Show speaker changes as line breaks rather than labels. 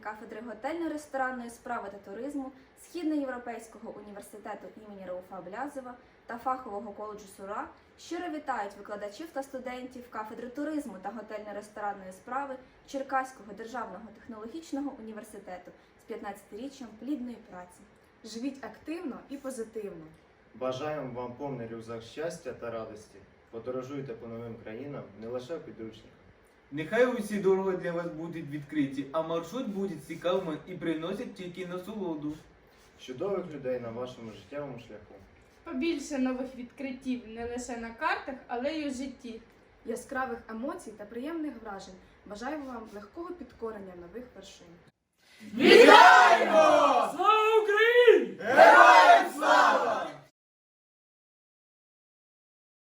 кафедри готельно-ресторанної справи та туризму Східноєвропейського університету імені Рауфа Блязова та фахового коледжу СУРА щиро вітають викладачів та студентів кафедри туризму та готельно-ресторанної справи Черкаського державного технологічного університету з 15-річчям плідної праці.
Живіть активно і позитивно.
Бажаємо вам повний рюкзак щастя та радості. Подорожуйте по новим країнам не лише в підручниках.
Нехай усі дороги для вас будуть відкриті, а маршрут буде цікавим і приносить тільки насолоду.
Чудових людей на вашому життєвому шляху.
Побільше нових відкриттів не лише на картах, але й у житті.
Яскравих емоцій та приємних вражень. Бажаємо вам легкого підкорення нових вершин.
Вітаємо!
Слава Україні!
Героям